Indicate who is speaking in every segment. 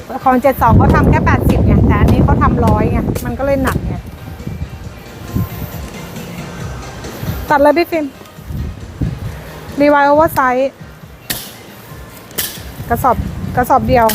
Speaker 1: ของ72เขาทำแค่80ไงแต่อันนี้เขาทำ100ไงมันก็เลยหนักไงตัดเลยพี่ฟิล์มรีไวโอเวอร์ไซส์กระสอบเดียว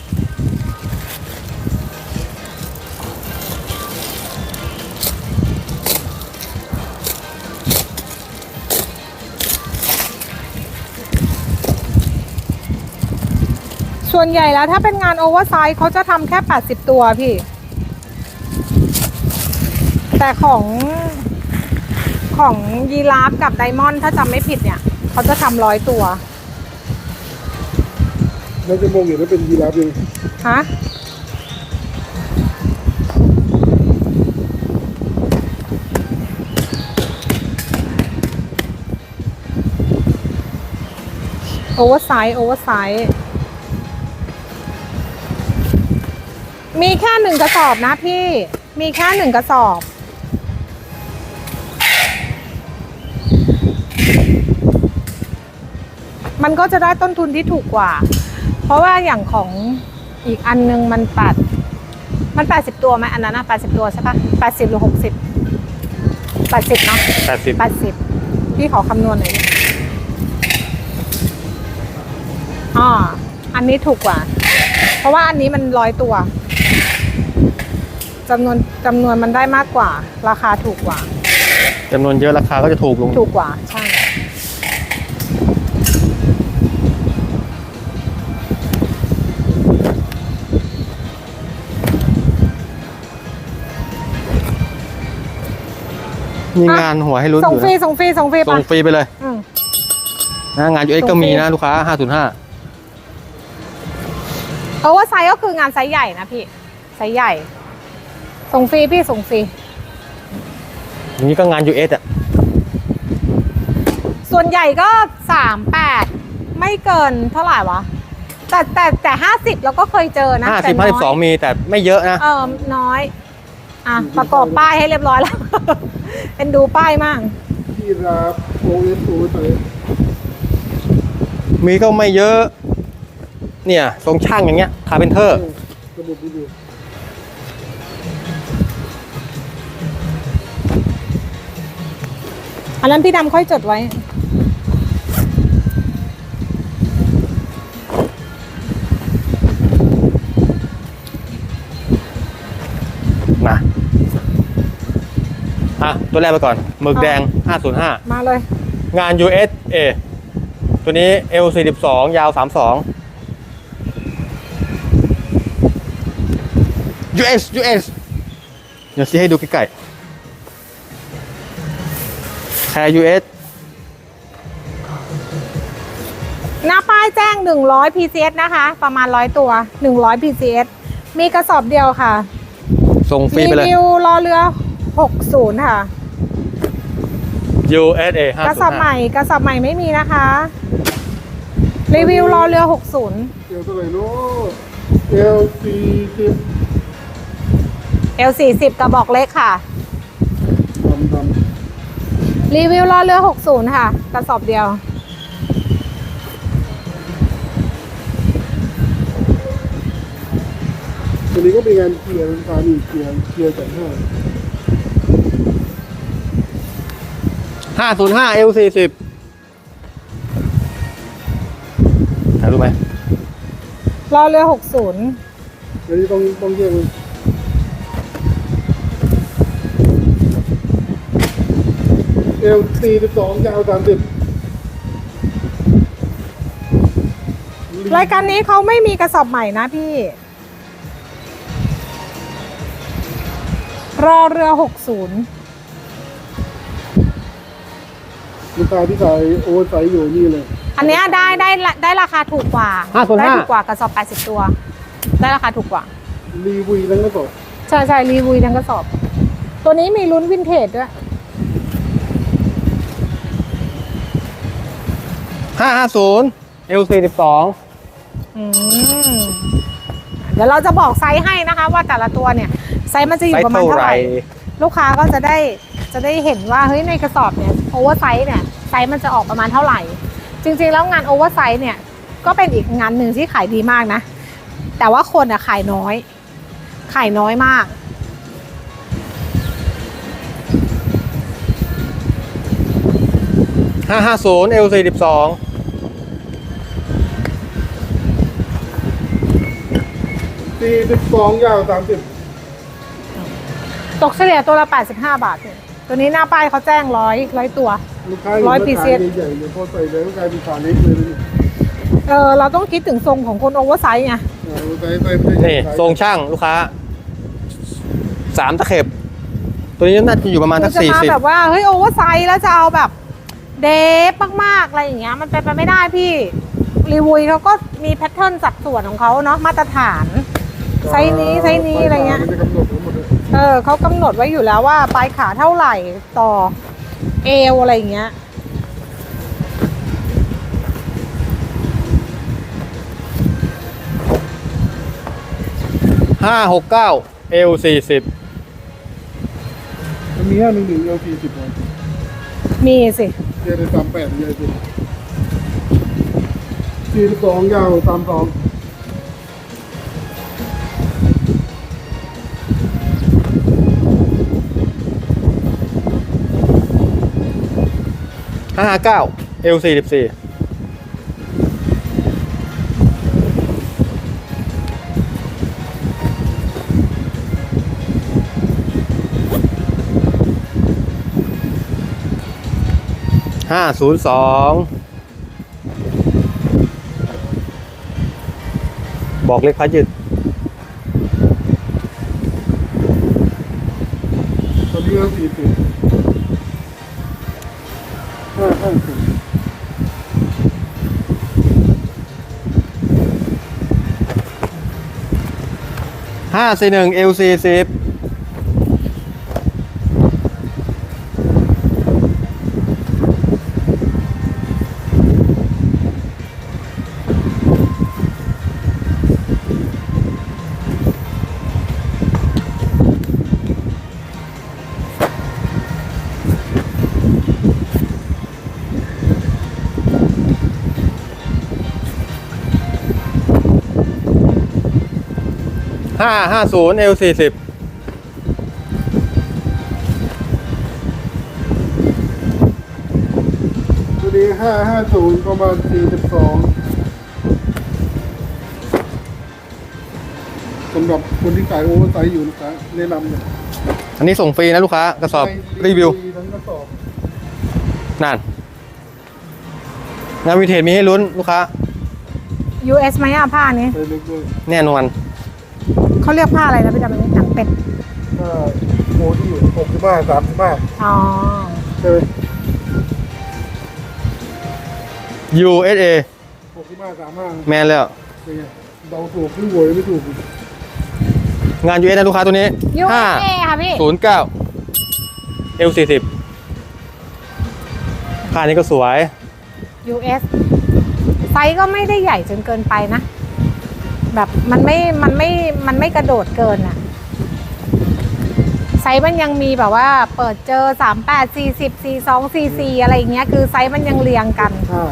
Speaker 1: ส่วนใหญ่แล้วถ้าเป็นงานโอเวอร์ไซส์เขาจะทำแค่80ตัวพี่แต่ของยีราฟกับไดมอนด์ถ้าจำไม่ผิดเนี่ยเขาจะทำ100ตัว
Speaker 2: แล้วจะมองเห็นว่าเป็นยีราฟยัง
Speaker 1: ฮะโอเวอร์ไซส์มีแค่1กระสอบนะพี่มีแค่1กระสอบมันก็จะได้ต้นทุนที่ถูกกว่าเพราะว่าอย่างของอีกอันนึงมัน80ตัวไหมอันนั้นนะ80ตัวใช่ปะ80หรือ60 80เนาะ80พี่ขอคำนวณหน่อยอันนี้ถูกกว่าเพราะว่าอันนี้มัน100ตัวจำนวนมันได้มากกว่าราคาถูกกว่า
Speaker 3: จำนวนเยอะราคาก็จะถูกลง
Speaker 1: ถูกกว่าใช่
Speaker 3: มีงานหัวให้ลุ้น
Speaker 1: ส่งฟรีส่งฟรี
Speaker 3: ไปเลยนะงาน UX ก็มีนะลูกค้า505
Speaker 1: โอเวอร์ไซส์ก็คืองานไซส์ใหญ่นะพี่ไซส์ใหญ่ส่งฟรีพี่ส่งฟรี
Speaker 3: นี่ก็งาน US อ่ะ
Speaker 1: ส่วนใหญ่ก็38ไม่เกินเท่าไหร่วะแต่50เราก็เคยเจอนะ
Speaker 3: 52มีแต่ไม่เยอะนะ
Speaker 1: น้อยประกอบป้ายให้เรียบร้อยแล้ว เป็นดูป้ายมาก
Speaker 2: ยีราฟโอไซส์
Speaker 3: มีก็ไม่เยอะเนี่ยทรงช่างอย่างเงี้ยคาร์เพนเตอร์
Speaker 1: อันนั้นพี่ดำค่อยจดไว้
Speaker 3: มาตัวแรกไปก่อนหมึกแดง505
Speaker 1: มาเลย
Speaker 3: งาน USA ตัวนี้ L42 ยาว32 US เดี๋ยวชี้ให้ดูใกล้ๆแค่ US
Speaker 1: หน้าป้ายแจ้ง100 PCS นะคะประมาณ100ตัว100 PCS มีกระสอบเดียวค่ะ
Speaker 3: ส่งฟรีไปเลย
Speaker 1: รีวิวรอเรือ60ค่ะ
Speaker 3: USA
Speaker 1: กระสอบใหม่ไม่มีนะคะรีวิวรอเรือ60
Speaker 2: เอลเท่าไหร่ลูก
Speaker 1: L40 กระบอกเล็กค่ะรีวิวรอเรือ60ค่ะกระสอบเดียว
Speaker 2: ตัวนี้ก็เป็นงานเกียร์การอีกเกียร์จาก
Speaker 3: 505 L40 รู้ไหม
Speaker 1: รอเรือ60
Speaker 2: อันนี้ต้องแยกเลยL42ยาว30
Speaker 1: รายการนี้เขาไม่มีกระสอบใหม่นะพี่รอเรือ60
Speaker 2: ลูกค้าที่ขายโอเวอร์ไซส์อยู่นี่เลย
Speaker 1: อันนี้ได้ราคาถูกกว่าได้ถูกกว่ากระสอบ80ตัวได้ราคาถูกกว่า
Speaker 2: รีวิวทั้งกระสอบ
Speaker 1: ใช่รีวิวทั้งกระสอบตัวนี้มีลุ้นวินเทจด้วย
Speaker 3: 550 L42
Speaker 1: เดี๋ยวเราจะบอกไซส์ให้นะคะว่าแต่ละตัวเนี่ยไซส์มันจะอยู่ประมาณเท่าไหร่ลูกค้าก็จะได้เห็นว่าเฮ้ยในกระสอบเนี่ยโอเวอร์ไซส์เนี่ยไซส์มันจะออกประมาณเท่าไหร่จริงๆแล้วงานโอเวอร์ไซส์เนี่ยก็เป็นอีกงานหนึ่งที่ขายดีมากนะแต่ว่าคนอะขายน้อย ขายน้อยมาก
Speaker 3: 550 L42
Speaker 2: 42ยาว30
Speaker 1: ตกเฉลี่ยตัวละ 85 บาทเนี่ยตัวนี้หน้าป้ายเขาแจ้ง100ตัว
Speaker 2: ลูกค้าเห็น
Speaker 1: ร้อย
Speaker 2: ว่า
Speaker 1: piece
Speaker 2: ขายใหญ่ๆเนี่ยพอใส่แล้วก็กลายเป็นขาเล็กเลยนะนี่
Speaker 1: เราต้องคิดถึงทรงของคนโอเวอร์ไซส์ไง
Speaker 2: ใส่
Speaker 3: นี่ทรงช่างลูกค้า3 ตะเข็บ ตัวนี้น่าจะอยู่ประมาณสัก
Speaker 1: จะมาแบบว่าเฮ้ยโอเวอร์ไซส์แล้วจะเอาแบบเดฟมากๆอะไรอย่างเงี้ยมันเป็นไปไม่ได้พี่รีวิวเขาก็มีแพทเทิร์นสัดส่วนของเขาเนาะมาตรฐานไซส์นี้อะไรเงี้ย
Speaker 2: มันจะกำหนดทั้งหมดเลย
Speaker 1: เขากำหนดไว้อยู่แล้วว่าปลายขาเท่าไหร่ต่อเอวอะไรอย่างเงี้ย
Speaker 3: 569 L40
Speaker 2: มันมี511 L40 เลย
Speaker 1: มีสิ
Speaker 2: เจอใน38เยอะจริง42ยาว32
Speaker 3: 559 L44 502บอกเลขพัดยืด
Speaker 2: ตอนนี้L40 550
Speaker 3: 541 L40 550 L40
Speaker 2: ตัวนี้550ประมาณ42สำหรับคนที่ขายโอเวอร์ไซส์อยู่นะครับแนะนำเลย
Speaker 3: อันนี้ส่งฟรีนะลูกค้ากระสอบรีวิว
Speaker 2: ทั้งกระสอบ
Speaker 3: นั่นงานวิเทจมีให้ลุ้นลูกค้า
Speaker 1: US ไหมอะผ้านี้
Speaker 2: ไปเล็กด้วย
Speaker 3: แน่นอน
Speaker 1: เขาเรียกผ้าอะไรนะพี่จำไม่ได้หนังเป็ด
Speaker 2: ถ้าโมที่65 35
Speaker 1: อ๋อ
Speaker 2: ใช่ไหม
Speaker 3: USA
Speaker 2: 65 35
Speaker 3: แมนแล้ว
Speaker 2: เป็นไงเดาถูกหรือโวยไม่ถูก
Speaker 3: งาน US นะลูกค้าตัวนี้
Speaker 1: USA ค่ะพี่
Speaker 3: 509 L40 ค่านี้ก็สวย
Speaker 1: US ไซส์ก็ไม่ได้ใหญ่จนเกินไปนะ แบบมันไม่กระโดดเกินอะไซส์มันยังมีแบบว่าเปิดเจอ38 40 42 44อะไรอย่างเงี้ยคือไซส์มันยังเรียงกัน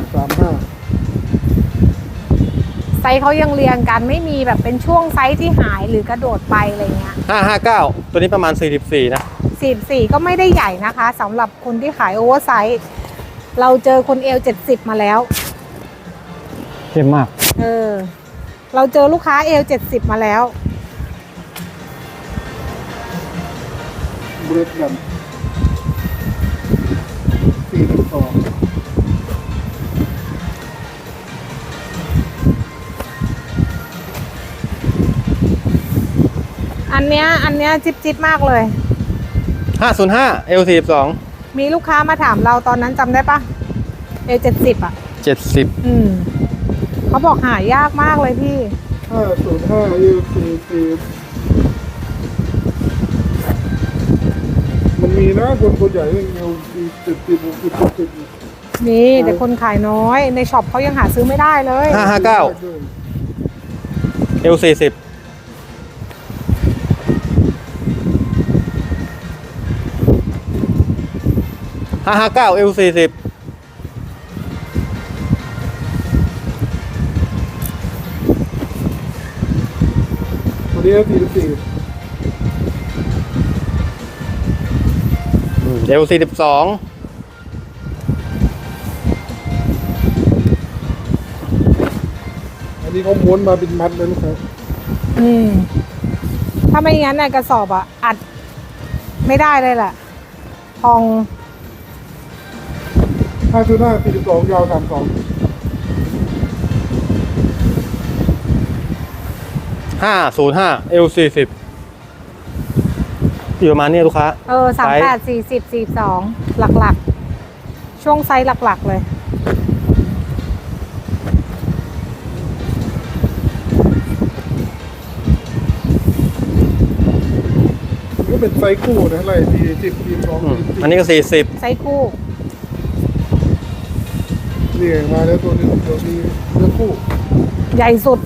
Speaker 1: ไซส์เขายังเรียงกันไม่มีแบบเป็นช่วงไซส์ที่หายหรือกระโดดไปอะไรเงี้ย
Speaker 3: 559 ตัวนี้ประมาณ 44 นะ
Speaker 1: 44ก็ไม่ได้ใหญ่นะคะสำหรับคนที่ขายโอเวอร์ไซส์เราเจอคนเอล70มาแล้ว
Speaker 3: เข้มมาก
Speaker 1: เราเจอลูกค้าเอล70มาแล้ว
Speaker 2: เบรดกัน42
Speaker 1: อันเนี้ยจิ๊บมากเลย
Speaker 3: 505 L42
Speaker 1: มีลูกค้ามาถามเราตอนนั้นจำได้ปะเอล70อ่ะ
Speaker 3: 70
Speaker 1: เขาบอกหายากมากเลยพี่
Speaker 2: 505 L40 มันมีนะคนใหญ่เองL70 60
Speaker 1: มีแต่คนขายน้อยในช็อปเขายังหาซื้อไม่ได้เลย
Speaker 3: 559 L40 559 L40
Speaker 2: นี้44
Speaker 3: L42
Speaker 2: อันนี้เขาม้วนมาเป็นมัดเลยลูกค้า
Speaker 1: ถ้าไม่งั้นน่ะกระสอบอ่ะอัดไม่ได้เลยแหละพอง
Speaker 2: 5.5 42ยาว32
Speaker 3: 505 L40 อยู่ประมาณนี้ลูกค้า
Speaker 1: 38 40 42หลักๆ ช่วงไซส์หลักๆเลย
Speaker 2: ก็เป็นไซส์คู่นะอะไร40 42
Speaker 3: อันนี้ก็ 40
Speaker 1: ไซส์คู่
Speaker 2: นี่มาแล้วตัวนึงตัวนี้เนื้อคู่
Speaker 1: ใหญ่สุด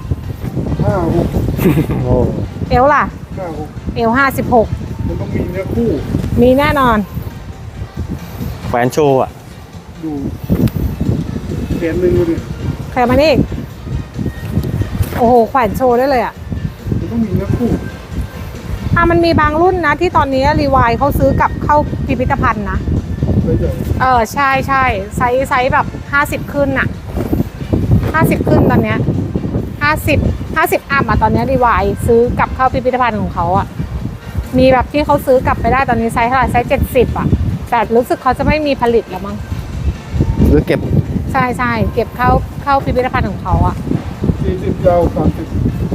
Speaker 2: 56
Speaker 3: โอ้
Speaker 1: เอวล่ะ
Speaker 2: 56
Speaker 1: เอว56
Speaker 2: มันต้องมีเนื้อคู่
Speaker 1: มีแน่นอน
Speaker 3: แขวนโชว์อ่ะ
Speaker 2: ดูแขนหนึ่งดูดิ
Speaker 1: ใครมานี่ โอ้โหแขวนโชว์ได้เลยอ่ะ
Speaker 2: มันต้องมีเนื้อคู่
Speaker 1: มันมีบางรุ่นนะที่ตอนนี้รีวายเขาซื้อกลับเข้าพิพิธภัณฑ์นะ
Speaker 2: ไซส์ใหญ่
Speaker 1: ใช่ใช่ไซส์แบบ50ขึ้นน่ะ50ขึ้นตอนเนี้ย50อัพตอนเนี้ยรีวายซื้อกลับเข้าพิพิธภัณฑ์ของเขาอ่ะมีแบบที่เขาซื้อกลับไปได้ตอนนี้ไซส์เท่าไหร่ไซส์70อ่ะแต่รู้สึกเขาจะไม่มีผลิตแล้วมั้ง
Speaker 3: หรือเก็บ
Speaker 1: ใช่ใช่เก็บเข้าพิพิธภัณฑ์ของเขาอ่ะ
Speaker 2: 40ยาว30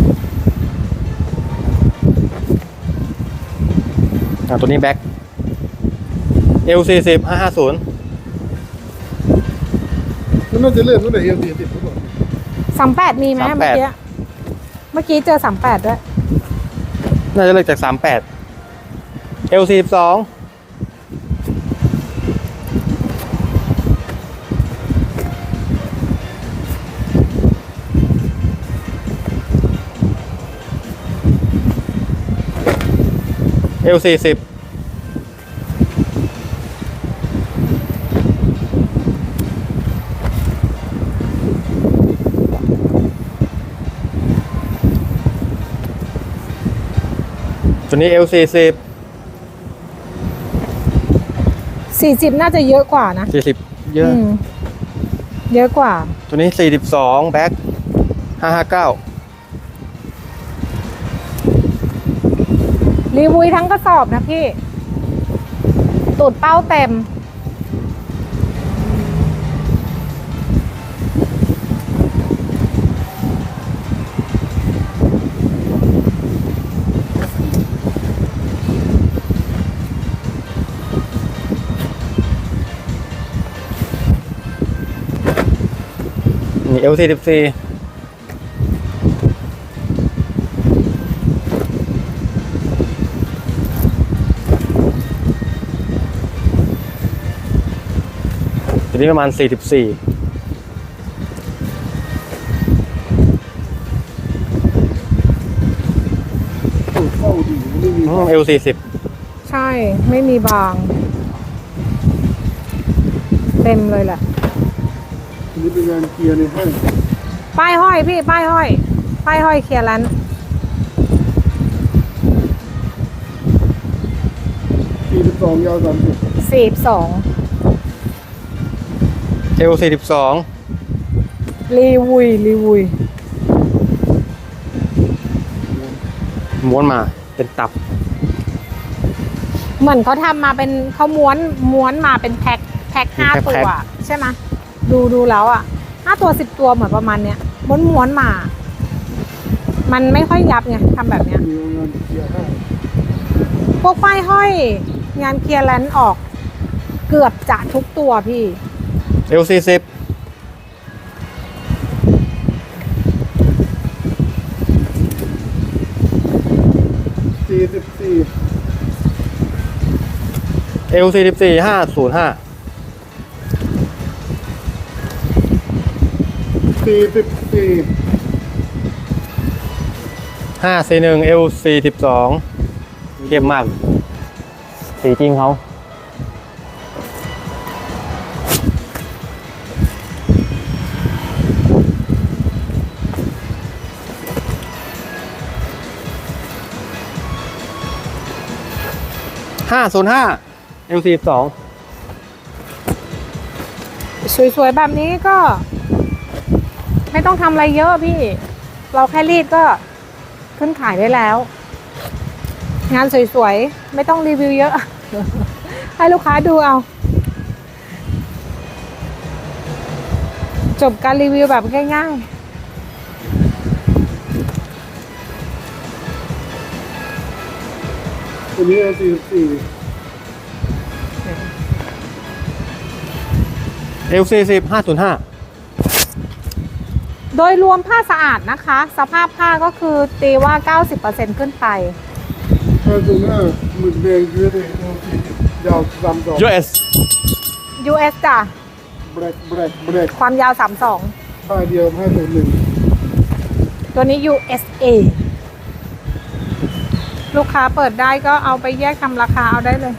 Speaker 3: ตัวนี้แบ็ค L40 550
Speaker 2: มันน่าจะเลื่อนตั้งแต่เอล40หรือเปล่า
Speaker 1: 38มีไหม
Speaker 3: 38
Speaker 1: เมื่อกี้เจอ38ด้วย
Speaker 3: น่าจะเลิกจาก 38 L42 L40 ตัวนี้ L40
Speaker 1: 40น่าจะเยอะกว่านะ
Speaker 3: 40 เยอะ
Speaker 1: เยอะกว่า
Speaker 3: ตัวนี้ 42 แบ็ค559
Speaker 1: รีวิวทั้งกระสอบนะพี่ ตูดเป้าเต็ม
Speaker 3: นี่ L44 ตัวนี้ประมาณ 44
Speaker 2: ตูดเข้าดีไม่มี
Speaker 3: L40
Speaker 1: ใช่ไม่มีบาง เต็มเลยแหละ
Speaker 2: อันนี้เป็นงานเกียร์ในห้าง
Speaker 1: ป้ายห้อยพี่ ป้ายห้อยเคลียร์ร้าน
Speaker 2: 42ยาว30
Speaker 1: 42
Speaker 3: L42
Speaker 1: รีวิว
Speaker 3: ม้วนมาเป็นตับ
Speaker 1: เหมือนเขาทำมาเป็นเขาม้วนมาเป็นแพ็ค5
Speaker 3: แพ็
Speaker 1: ตั
Speaker 3: คว
Speaker 1: ใช่ไหมดูแล้วอ่ะ5ตัว10ตัวเหมือนประมาณเนี้ยม้วนมา มันไม่ค่อยยับไงทำแบบเนี้ย
Speaker 2: มีงานเกียร์ห้าง
Speaker 1: พวกป้ายห้อยงานเคลียร์แลนด์ออกเกือบจะทุกตัวพี่
Speaker 3: L40
Speaker 2: 44
Speaker 3: L44 505 541 L42 เข้มมาก สีจริงเขา 505 L42
Speaker 1: สวยๆแบบนี้ก็ ไม่ต้องทำอะไรเยอะพี่ เราแค่รีดก็ขึ้นขายได้แล้ว งานสวยๆ ไม่ต้องรีวิวเยอะ ให้ลูกค้าดูเอา จบการรีวิวแบบง่ายๆ
Speaker 2: ตัวนี้L44
Speaker 3: L40 505
Speaker 1: โดยรวมผ้าสะอาดนะคะ สภาพผ้าก็คือตีว่า 90% ขึ้นไป
Speaker 2: 505หมึกแดงเยอะเลย L40 ยาว32
Speaker 3: US
Speaker 1: US จ้ะ
Speaker 2: แบล็ก
Speaker 1: ความยาว
Speaker 2: ผ้าเดียว501
Speaker 1: 32 ตัวนี้ USA ลูกค้าเปิดได้ก็เอาไปแยกทำราคาเอาได้เลย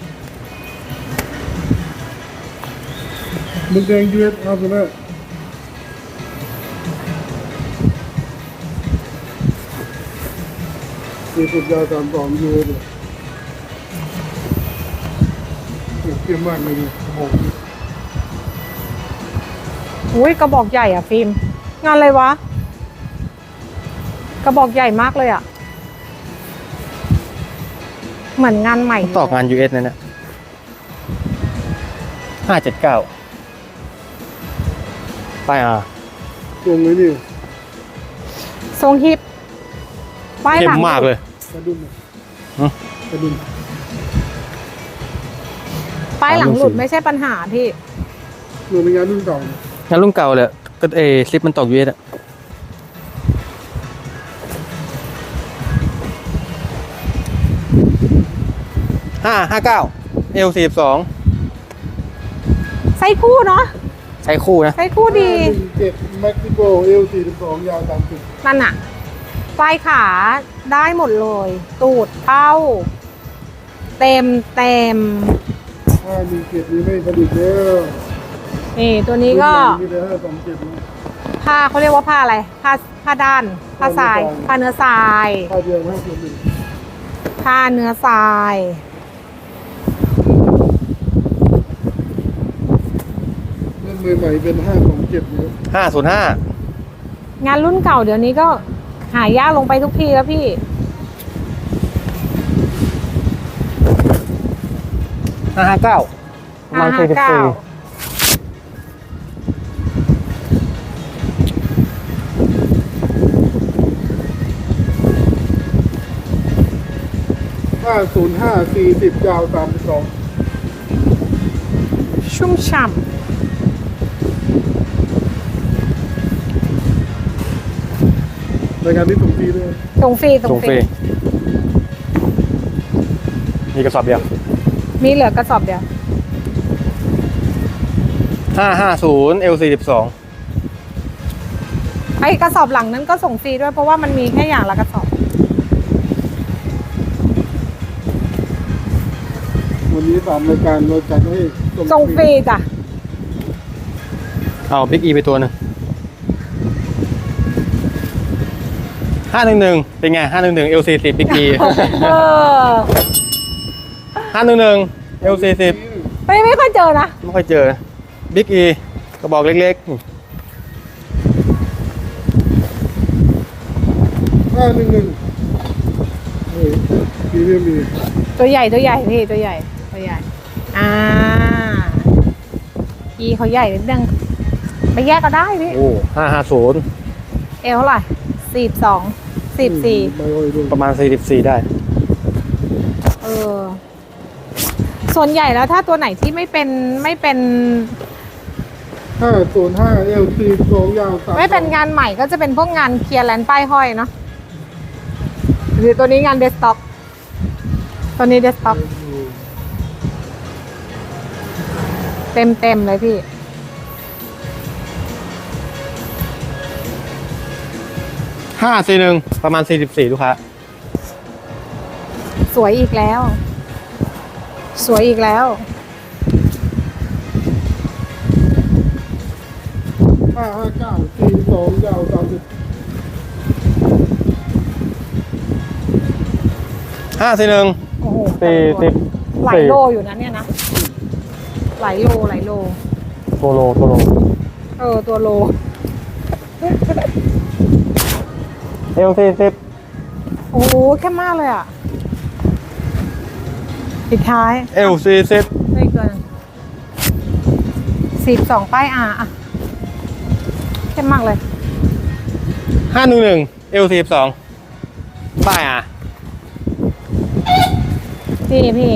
Speaker 2: หมึกแดง US 50540ยาว32 US เลยเกี่ยมมากเลยโอ้โห
Speaker 1: อุ้ยกระบอกใหญ่อ่ะฟิล์มงานอะไรวะ กระบอกใหญ่มากเลยอ่ะ เหมือนงานใหม่
Speaker 3: ต่องาน US นั่นนะ579ป้าย R
Speaker 2: ตรงเลยนี่
Speaker 1: ทรงฮิปป้าย
Speaker 3: เข้
Speaker 1: หลั
Speaker 3: ม
Speaker 1: ง
Speaker 3: มากเลย
Speaker 2: กระดุม
Speaker 3: ฮะ
Speaker 2: กระดุม
Speaker 1: ป้ายหลังหลุดไม่ใช่ปัญหาพี่
Speaker 2: เหมือนในงานรุ่นเก่า
Speaker 3: งานรุ่นเก่าเลยก็ซิปมันตก US อะ559 L42
Speaker 1: ไซส์คู่เนาะ
Speaker 3: ใช้คู่นะ
Speaker 1: ไซส์คู่ดี
Speaker 2: 7เม็กซิโก L42 ยาว30
Speaker 1: นั่นอะปลายขาได้หมดเลย ตูดเป้า เต็ม
Speaker 2: 517นี้ไม่ผลิตแล้ว
Speaker 1: นี่ตัวนี้ก็
Speaker 2: มีแต่527นะ
Speaker 1: ผ้าเขาเรียกว่าผ้าอะไร ผ้าด้าน ผ้าทราย ผ้าเนื้อทราย
Speaker 2: ผ้าเดียว501
Speaker 1: ผ้าเนื้อทราย
Speaker 2: เล่นมือใหม่เป็น527เนี่ย
Speaker 3: 505
Speaker 1: งานรุ่นเก่าเดี๋ยวนี้ก็หายากลงไปทุกทีแล้วพี่
Speaker 3: 559ประมาณ
Speaker 1: 559
Speaker 2: 505 40ยาว32
Speaker 1: ชุ่มฉ่
Speaker 2: รายการนี้ส่งฟรีด้วย
Speaker 1: ำตรงฟรี
Speaker 3: ส่งฟรีมีกระสอบเดียว
Speaker 1: มีเหลือกระสอบเดียว
Speaker 3: 550 L42
Speaker 1: ไอ้กระสอบหลังนั้นก็ส่งฟรีด้วยเพราะว่ามันมีแค่อย่างละกระสอบ
Speaker 2: วันนี้3รายการเราจัดให้
Speaker 1: ส่งฟรีจ้ะ
Speaker 3: เอาบิ๊กอีไปตัวหนึ่ง511เป็นไง511 L40 บิ๊กอี
Speaker 1: เออ
Speaker 3: 511 L40
Speaker 1: ไม่ค่อยเจอนะ
Speaker 3: ไม่ค่อยเจอบิ๊กอีกระบอกเล็กๆ
Speaker 2: 511พรีเมียมมี
Speaker 1: ตัวใหญ่พี่ตัวใหญ่ อีเขาใหญ่นิดนึงไปแยกก็ได้พี่
Speaker 3: โอ้550
Speaker 1: เอวเท่าไหร่42
Speaker 2: ไม่ค่อยด้วย
Speaker 3: ประมาณ44ได้
Speaker 1: 44ส่วนใหญ่แล้วถ้าตัวไหนที่ไม่เป็น
Speaker 2: 505 L42 ยาว32
Speaker 1: ไม่เป็นงานใหม่ก็จะเป็นพวกงานเคลียร์แลนด์ป้ายห้อยเนาะหรือตัวนี้งานเดสก์ท็อปตัวนี้เดสก์ท็อปเต็มเลยพี่
Speaker 3: 541ประมาณ44ลูกค้า
Speaker 1: สวยอีกแล้ว
Speaker 2: 559 42ยาว30
Speaker 3: 541
Speaker 1: โอ้โห
Speaker 3: 40
Speaker 1: หลายโลอยู่นะเนี่ยนะหลายโล
Speaker 3: ตัวโล
Speaker 1: ตัวโล
Speaker 3: 40
Speaker 1: โอ้โหแค่มากเลยอ่ะปิดท้าย
Speaker 3: 40
Speaker 1: ไม่เกิน42ป้ายอ่ะแค่มากเลย
Speaker 3: 511 42ป้ายอ่ะ
Speaker 1: พี่